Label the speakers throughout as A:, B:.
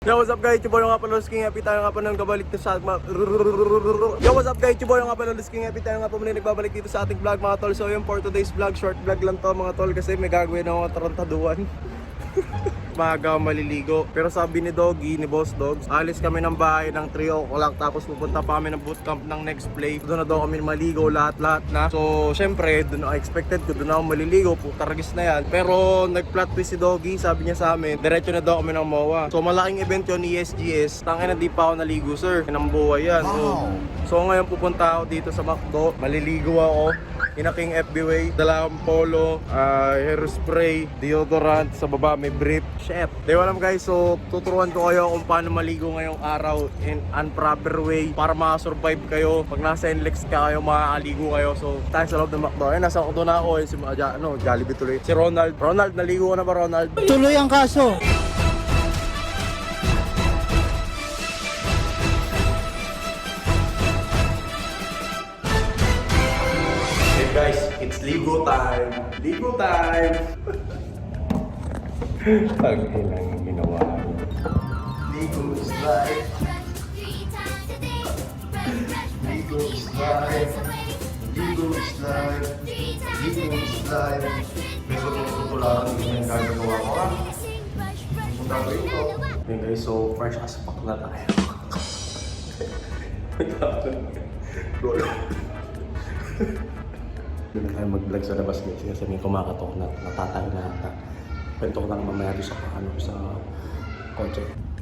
A: Yo, what's up guys? Yung boy nga pala King Happy tayo nga pa nang kabalik dito sa Yo, what's up guys? Yung boy nga pala King Happy tayo nga pa muna nagbabalik dito sa ating vlog mga tol. So yun, for today's vlog, short vlog lang to mga tol kasi may gagawin ako tarantaduan. Maaga maliligo. Pero sabi ni Doggy, ni Boss Dogs, alis kami ng bahay ng 3 o'clock tapos pupunta pa kami ng bootcamp ng next play. Doon na daw kami maligo, lahat-lahat na. So syempre, doon ako expected ko, doon ako maliligo, putaragis na yan. Pero nag-plot twist si Doggy, sabi niya sa amin, diretso na daw kami ng MOA. So malaking event yun, ESGS. Tangina, di pa ako naligo sir, kinambuhay yan. So ngayon pupunta ako dito sa McDo, maliligo ako. Inaking FB Way, dala akong polo, hairspray, deodorant, sa baba may brief. Chef. Di alam guys, so tuturuan ko kayo kung paano maligo ngayong araw in unproper way para makasurvive kayo. Pag nasa NLEX ka kayo, makakaligo kayo. So tayo sa loob ng McDo. Ayun, nasa ko na ako, si Jollibee tuloy. Si Ronald. Ronald, naligo ka na ba Ronald?
B: Tuloy ang kaso.
A: Guys, it's Ligo time! Ligo time! Ang ilang ginawa ko. Ligo is life. Ligo is life. Ligo is life. Ligo is life. Pero tutularan din yung gagagawa ko ha. Punta ko ito. Okay guys, so fresh as fuck na tayo. Roll. Doon na tayo mag-vlog sa labas guys kasi may kumakatok na natatay na ata. Kwento ko lang mamaya doon sa kotse.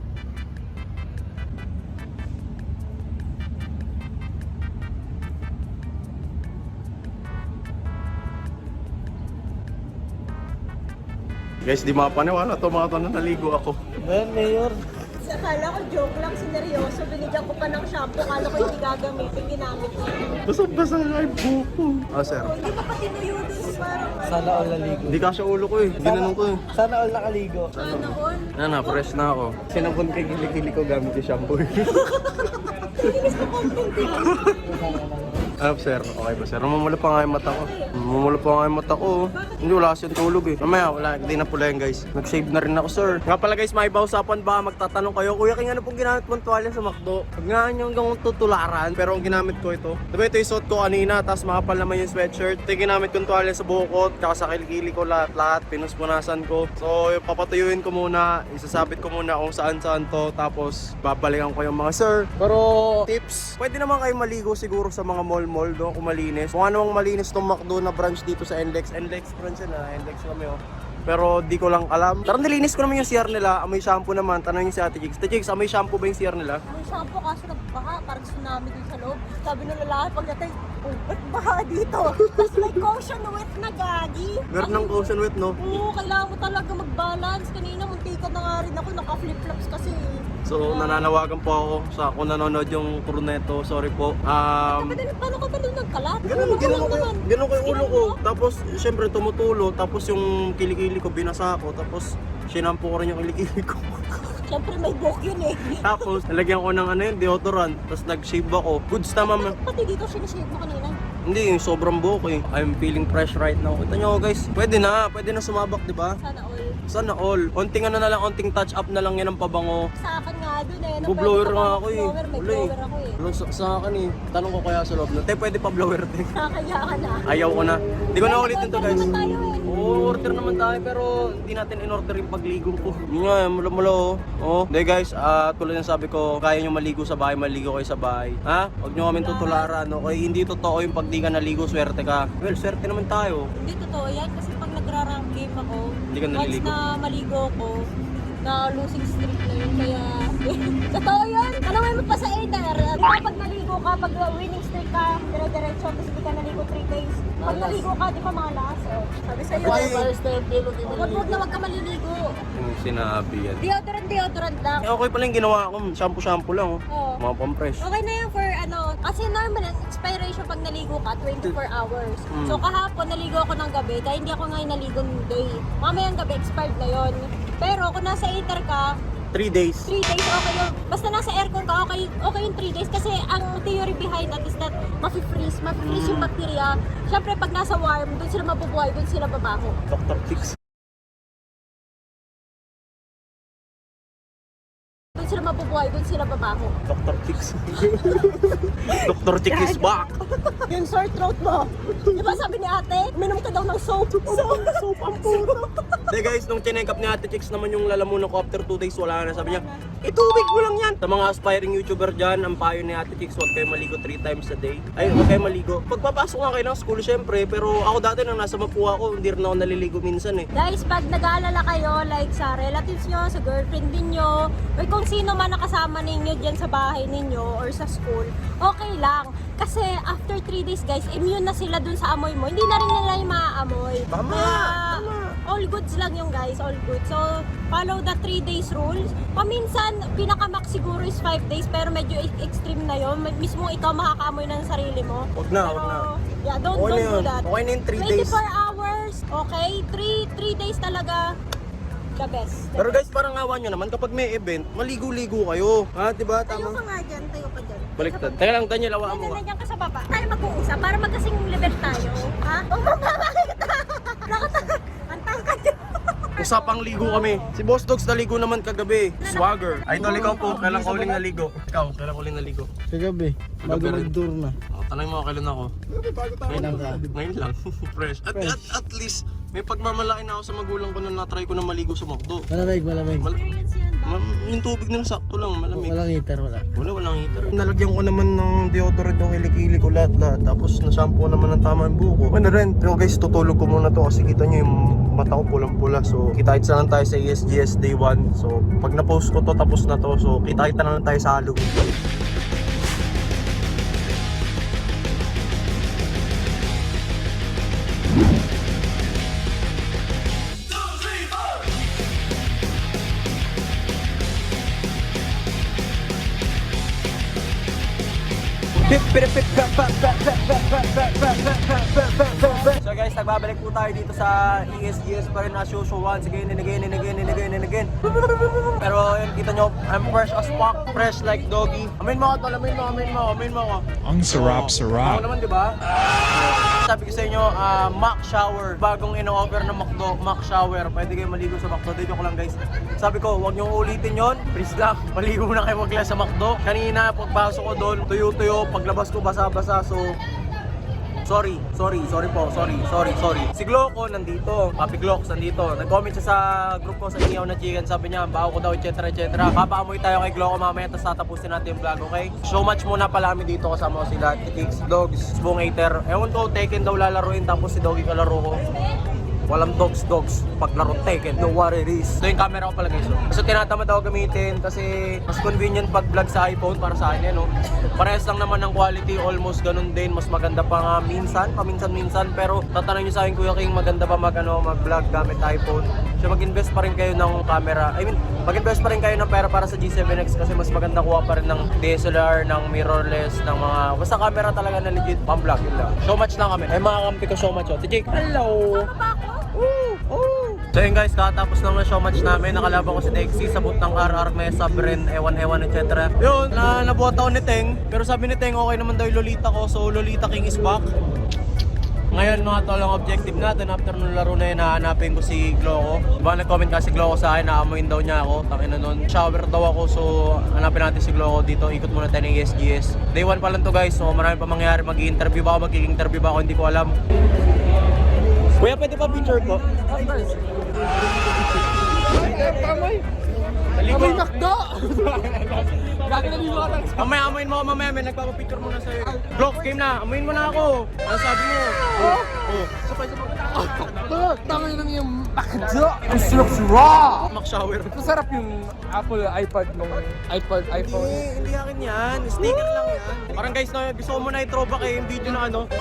A: Guys, di mapaniwala to mga to na naligo ako.
B: Ben, Mayor.
C: Akala ko joke lang, sineryoso. Binigyan ko pa ng shampoo. Akala ko hindi gagamitin, ginamit ko.
A: Basa-basa nga yung buko. Ah, sir.
C: Oh, hindi pa pati nuyo din. Parang
B: Sana all naligo.
A: Hindi kasya ulo ko eh. Ginanong ko eh.
B: Sana all nakaligo.
C: ano all.
A: Fresh na ako. Sinabon kay gili-gili ko gamit yung shampoo.
C: Inis ko content din.
A: Ano sir? Okay ba sir? Mamula pa nga yung mata ko. Mamula pa nga yung mata ko. Hindi, wala kasi yung tulog eh. Mamaya, wala. Hindi na pula yan guys. Nag-shave na rin ako sir. Nga pala guys, may usapan ba? Magtatanong kayo. Kuya, kaya ano pong ginamit mong tuwalya sa McDo? Huwag nga nyo hanggang tutularan. Pero ang ginamit ko ito. Diba ito yung suot ko kanina. Tapos makapal naman yung sweatshirt. Ito yung ginamit kong tuwalya sa bukot. Tsaka sa kilikili ko lahat-lahat. Pinuspunasan ko. So, yung papatuyuin ko muna. Isasabit ko muna kung saan-saan to. Tapos, babalikan ko yung mga sir. Pero, tips. Pwede naman kayo maligo siguro sa mga mall doon kung malinis. Kung anong malinis tong McDo na branch dito sa NLEX. NLEX branch na, NLEX kami oh. Pero di ko lang alam. Pero nilinis ko naman yung CR nila. Amoy shampoo naman. Tanongin si Ate Jigs. Ate Jigs, amoy shampoo ba yung CR nila?
C: May shampoo kaso nagbaha. Parang tsunami dun sa loob. Sabi ng lalaki pagdating, oh, ba't baha dito? Tapos may caution wet na gagi.
A: Meron ng caution wet, no?
C: Oo, kailangan mo talaga mag-balance. Kanina muntikan na nga rin ako. Naka-flip-flops kasi.
A: So, nananawagan po ako sa kung nanonood yung crew neto. Sorry po.
C: Paano ka ba nung nagkalat?
A: Ganun ko yung ulo ko. Tapos, syempre tumutulo. Tapos yung kilikili ko binasa ko. Tapos, sinampo ko rin yung kilikili ko.
C: Siyempre may buhok yun eh.
A: Tapos, nalagyan ko ng deodorant. Tapos, nag-shave ako. Goods naman.
C: Pati dito sinishave mo kanina.
A: Hindi, yung sobrang buhok eh. I'm feeling fresh right now. Kita nyo guys, pwede na sumabak, di ba?
C: Sana all.
A: Sana all. Onting ano na lang, onting touch up na lang yan ang pabango.
C: Sa akin nga dun eh.
A: Bu-blower nga ako eh.
C: May
A: Wala
C: blower ako eh.
A: Wala sa akin eh. Tanong ko kaya sa loob na, pwede pa blower din.
C: Kaya ka na.
A: Ayaw ko na. Hindi ko na ulitin to guys.
C: Order naman tayo eh.
A: Oo, order naman tayo pero hindi natin in-order yung pagligo ko. Yun nga, mula oh. Oo. Hindi guys, tulad ng sabi ko, kaya nyo maligo sa bahay, maligo kayo sa bahay. Ha? Huwag nyo kami tutularan. Okay? Hindi totoo yung pag di ka naligo, swerte ka. Well, swerte naman tayo.
C: Hindi totoo yan kasi pag nagra-rank game ako,
A: Hindi ka naliligo.
C: once na maligo ko, na losing streak na yun kaya totoo yun. Tanungin mo pa sa Aether. Di ba pag naligo ka, pag winning streak ka, dire-diretso, tapos hindi ka naligo 3 days. Pag naligo ka, di ba mga last? Oh. Sabi sa'yo, wag na wag ka maliligo.
A: Yung sinabi yan.
C: Deodorant lang.
A: Okay pala yung ginawa ko. Shampoo lang oh.
C: Oo.
A: Mga pampress.
C: Okay na yan for kasi normal expiration pag naligo ka 24 hours. So kahapon naligo ako ng gabi kaya hindi ako ngayon naligo ng day. Mamayang gabi expired na yon. Pero kung nasa heater ka,
A: 3 days.
C: 3 days okay yun. Basta nasa aircon ka, okay yung 3 days. Kasi ang theory behind that is that mafe-freeze yung bacteria. Siyempre pag nasa warm, doon sila mabubuhay, doon sila babaho.
A: Dr. Fix.
C: sila mabubuhay, doon sila babaho.
A: Dr. Chicks. Dr. Chicks is back.
C: Yung sore throat mo. Di ba sabi ni ate, uminom ka daw ng soap. Soap ang puto.
A: Hindi guys, nung chinekap ni Ate Chicks naman yung lalamunan ko after 2 days, wala na. Sabi niya, itubig mo lang yan. Sa mga aspiring YouTuber dyan, ang payo ni Ate Chicks, huwag kayo maligo 3 times a day. Ay, huwag kayo maligo. Pagpapasok nga kayo ng school, syempre. Pero ako dati nang nasa Mapua ako, hindi rin ako naliligo minsan eh.
C: Guys, pag nag-aalala kayo, like sa relatives nyo, sa girlfriend ninyo, or kung sino man nakasama ninyo dyan sa bahay ninyo or sa school, okay lang. Kasi after 3 days guys, immune na sila dun sa amoy mo. Hindi na rin nila yung maaamoy.
A: Tama, tama.
C: All goods lang yung guys, all good. So, follow the 3 days rules. Paminsan, pinaka-max siguro is 5 days, pero medyo extreme na yun. Mismo ikaw makakaamoy na ng sarili mo.
A: Wag na,
C: Pero,
A: wag na.
C: yeah, don't
A: Okay na
C: do
A: yun.
C: that.
A: Okay na yung 3 days.
C: 24 hours, okay? 3 days talaga, the best.
A: Pero guys, parang awa nyo naman, kapag may event, maligo-ligo kayo. Ha, diba?
C: Tayo
A: Tama.
C: ka nga dyan, tayo ka dyan.
A: Baliktad. Teka lang, Daniel, awaan mo.
C: Nandiyan ka sa baba. Tayo mag-uusap para magkasing level tayo. Ha? Oh, bakit? Ang tangkad yun.
A: Usapang ligo kami. Si Boss Dogs naligo naman kagabi. Swagger. Idol, ikaw po. Kailan ka uling naligo? Ikaw, kailan ka uling naligo?
B: Kagabi, bago
A: Kagabi rin.
B: mag-tour na.
A: Oh, tanong mo kailan ako. Ngayon lang. Ngayon lang. Fresh. At least, may pagmamalaki na ako sa magulang ko na na-try ko na maligo sa McDo.
B: Malamig, malamig.
C: Experience yan ba?
A: Yung tubig nila sakto lang, malamig.
B: Walang heater, wala.
A: Walang heater. Nalagyan ko naman ng deodorant yung kilikili ko lahat. Tapos na-shampoo naman ng tama yung buko. Ano rin, pero guys, tutulog ko muna to kasi kita nyo yung mata ko pulang-pula. So, kita-kita na lang tayo sa ESGS Day 1. So, pag na-post ko to, tapos na to. So, kita-kita na lang tayo sa Halloween. So guys, nagbabalik po tayo dito sa ESGS pa rin as usual once again and again and again and again and again. Pero yun, kita nyo, I'm fresh as fuck, fresh like doggy. Amin mo ako tol, amin mo ako.
D: Ang sarap,
A: Ako
D: sarap.
A: naman, di ba? Sabi ko sa inyo, Mac Shower. Bagong ino-offer ng McDo, Mac Shower. Pwede kayo maligo sa McDo. Dito ko lang guys. Sabi ko, huwag niyong ulitin yon. Please lang, maligo na kayo wag lang sa McDo. Kanina, pagpasok ko doon, tuyo-tuyo. Paglabas ko, basa-basa. So, sorry. Si Gloco nandito, Papi Glocks nandito. Nag-comment siya sa group ko sa Inyaw na Chicken. Sabi niya, baho ko daw, etc. Papaamoy tayo kay Gloco mamaya, tapos tatapusin natin yung vlog, okay? So much muna pala kami dito, kasama ko sila, Chicks, Dogs, Spoong Eater. Ewan ko, Tekken daw lalaruin, tapos si Doggy kalaro ko. Walang dogs, paglaro Tekken, know what it is. Ito yung camera ko pala guys. So tinatamad ako gamitin kasi mas convenient pag vlog sa iPhone para sa akin no. Parehas lang naman ng quality, almost ganun din. Mas maganda pa nga paminsan-minsan. Pero tatanong nyo sa akin, Kuya King, maganda ba mag-vlog gamit iPhone? So mag-invest pa rin kayo ng camera. Mag-invest pa rin kayo ng pera para sa G7X kasi mas maganda kuha pa rin ng DSLR, ng mirrorless, ng mga... Basta camera talaga na legit pang-vlog yun lang. So much lang kami. Ay mga kampi ko so much. Si Jake, hello! So yun guys, katapos lang ng show match namin, nakalaban ko si Dexy sa boot ng RR Mesa, Bren, Ewan, etc. Yun, nabuhat ako ni Teng, pero sabi ni Teng okay naman daw yung Lolita ko, so Lolita King is back. Ngayon mga tol, ang objective natin after nung laro na yun, hahanapin ko si Gloco. Diba nag-comment kasi Gloco sa akin, naamuin daw niya ako, takin na nun. Shower daw ako, so hanapin natin si Gloco dito, ikot muna tayo ng ESGS. Day 1 pa lang to guys, so marami pa mangyayari, mag-i-interview ba ako, mag-i-interview ba ako, hindi ko alam. Kuya, pwede pa picture ko? Of course. Amoy McDo! Mamaya, amoyin mo ako mamaya, may nagpapapicture muna sa'yo. Glock, game na, amoyin mo na ako. Ano sabi mo? Sabay.
B: Tangay lang yung McDo! Ang sarap raw!
A: Mac Shower.
E: Masarap yung Apple iPad nung iPhone.
A: Hindi akin yan. Sneaker lang yan. Parang guys, no, gusto ko muna i-throwback yung video na ano.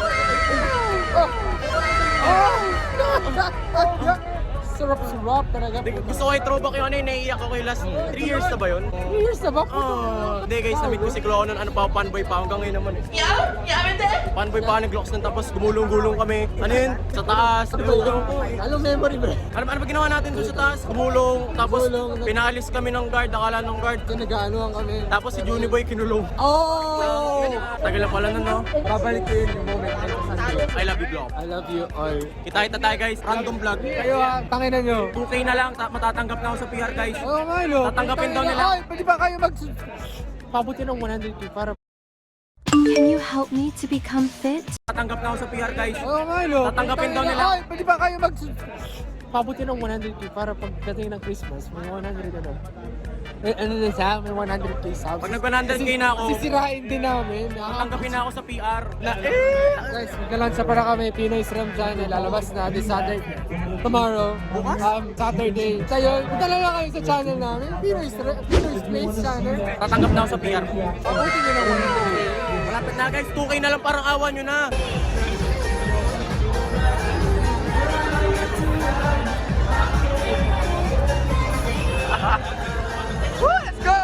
E: Sarap talaga.
A: Gusto ko i-throwback yung ano yung naiiyak ako yung last 3 years na ba yun?
E: 3 years na ba?
A: Hindi guys, na-meet ko si Gloco nun, ano pa, fanboy pa hanggang ngayon naman. Fanboy pa, nag-Glocks nun, tapos gumulong-gulong kami. Ano yun? Sa taas.
B: Anong memory bro?
A: Ano ba ginawa natin doon sa taas? Gumulong, tapos pinalis kami ng guard, akala ng guard.
B: Nag-aanoan kami.
A: Tapos si Juniboy kinulong.
B: Oh!
A: Tagal na pala nun, no?
E: Babalik ko yun yung moment na ito sa
A: I love you, Gloco.
E: I love you all.
A: Kita tayo guys, random vlog.
E: Kayo tangin ina nyo.
A: 2K na lang, matatanggap na ako sa PR guys.
E: Oo nga, no.
A: Tatanggapin daw nila.
E: Ay, pwede ba kayo pabuti ng 100k para...
D: Can you help me to become fit?
A: Tatanggap na ako sa PR guys.
E: Oo nga, no.
A: Tatanggapin daw nila.
E: Ay, pwede ba kayo pabuti ng 100k para pagdating ng Christmas, may 100 ano. Eh, ano na siya? May 100k subs.
A: Pag nag-100k na ako,
E: Sisirain din namin.
A: tatanggapin na ako sa PR.
E: Guys, magkalansa para kami, Pinoy Stream Channel, lalabas na this Saturday, tomorrow, Saturday. Kayo, punta lang kayo sa channel namin, Pinoy Stream Channel.
A: Tatanggap na ako sa PR.
E: Pabuti nyo ng 100k.
A: Malapit na guys, 2K na lang, parang awan nyo na.
E: Let's go!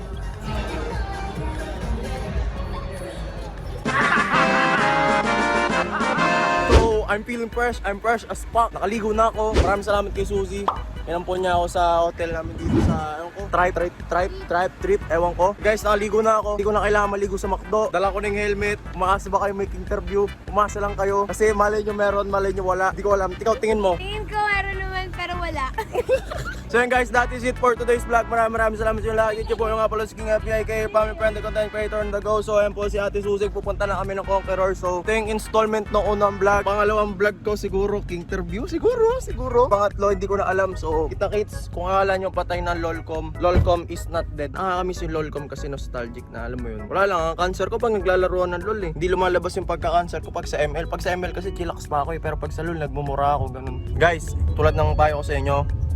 A: So, I'm feeling fresh. I'm fresh as fuck. Nakaligo na ako. Maraming salamat kay Suzy. Inampon niya ako sa hotel namin dito sa, ewan ko, trip, ewan ko. Guys, nakaligo na ako. Hindi ko na kailangan maligo sa McDo. Dala ko ng helmet. Umasa ba kayo may interview? Umasa lang kayo. Kasi malay nyo meron, malay nyo wala. Hindi ko alam. Ikaw, tingin mo.
C: Tingin ko meron naman pero wala.
A: So yun guys, that is it for today's vlog. Maraming salamat sa inyo lahat. YouTube po yung nga pala si King FBI kay family friend and content creator on the go. So ayan po si Ate Suzy. Pupunta na kami ng Conqueror. So ito yung installment ng unang vlog. Pangalawang vlog ko siguro, King interview. Siguro. Pangatlo, hindi ko na alam. So kita-kits, kung akala nyo patay ng Lolcom. Lolcom is not dead. Nakakamiss yung Lolcom kasi nostalgic na. Alam mo yun. Wala lang, ang cancer ko pag naglalaroan ng LOL eh. Hindi lumalabas yung pagka-cancer ko pag sa ML. Pag sa ML kasi chillax pa ako eh. Pero pag sa LOL, nagmumura ako. Ganun. Guys, tulad ng payo ko sa inyo,